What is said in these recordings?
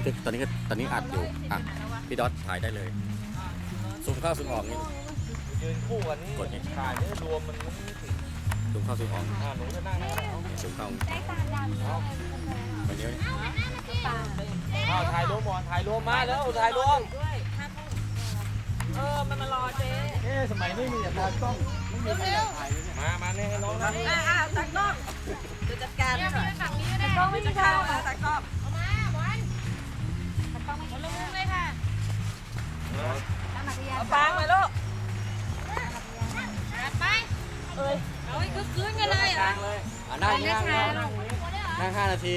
ทึกตอนนี้อัดอยู่อ่ะพี่ดอทถ่ายได้เลยซูมเข้าซูมออกนี่ยืนคู่กันนี่กดถ่ายไม่รวมมันไม่ติดซูมเข้าซูมออกหนูจะนั่งได้แล้วซูมเข้าได้ตาดำไปเนี้ยถ่ายรวมก่อนถ่ายรวมมาแล้วถ่ายรวมมันมารอเจ๊สมัยไม่มีแต่ตากล้องไม่มีใครถ่ายเลยมาเนี่ยให้น้องนะตากล้องจะจัดการหน่อยตากล้องไม่มีข้าวตากล้องเอามาบอลตากล้องไม่ลงเลยค่ะเอาฟางไปลูกไปเอ้ยเอาให้คึกคืนกันเลยอ่ะนั่ง5 นาที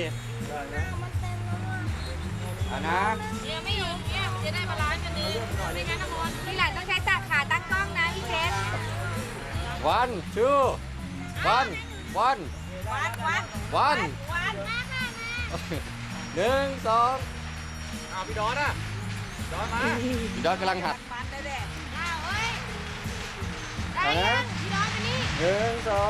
นะเนี่ยไม่อยู่เนี่ยจะได้บาลานซ์กันนึงไม่งั้นนะบอลทีหลังต้องใช้ตาขาตั้งกล้องนะพี่เชฟ 1 2 1 วัน 1 2 เอาพี่ดอนอ่ะดอนมาพี่ดอทกำลังหัดมันได้แหละเฮ้ยได้ยังพี่น้องไปนี่ 1 2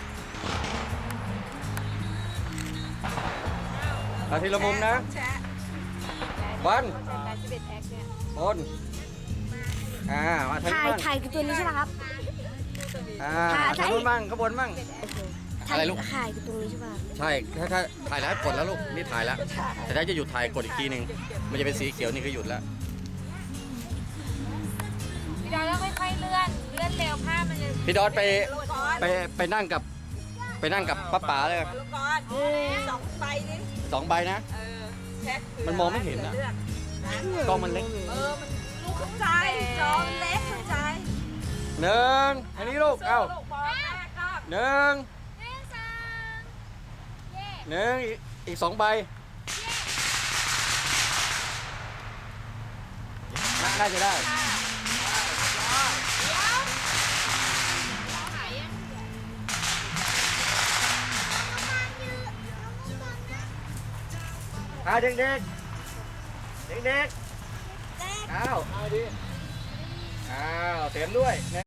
เอาทีละมุมนะแชะวัน 11 X เนี่ยคนมาทางนี้บ้างถ่ายคือตัวนี้ใช่ไหมครับทางนู้นบ้างข้างบนบ้างอะไรลูกถ่ายคือตัวนี้ใช่ป่ะใช่ถ้าถ่ายแล้วกดแล้วลูกนี่ถ่ายแล้วแต่ถ้าจะหยุดถ่ายกดอีกทีหนึ่งมันจะเป็นสีเขียวนี่คือหยุดแล้วพี่น้องต้องค่อยๆเลื่อนเร็วภาพมันจะพี่ดอทไปนั่งกับป้าป๋าเลยลูกกอน2 ใบนี่ 2 ใบนะแช็คมันมองไม่เห็นอะ กล้องมันเล็กมันลูกเข้าใจจอมันเล็กเข้าใจอันนี้ลูกเอ้าลูกบอลแม่ก็อีก 2 ใบน่าจะได้เด็กอ้าวเต็มด้วย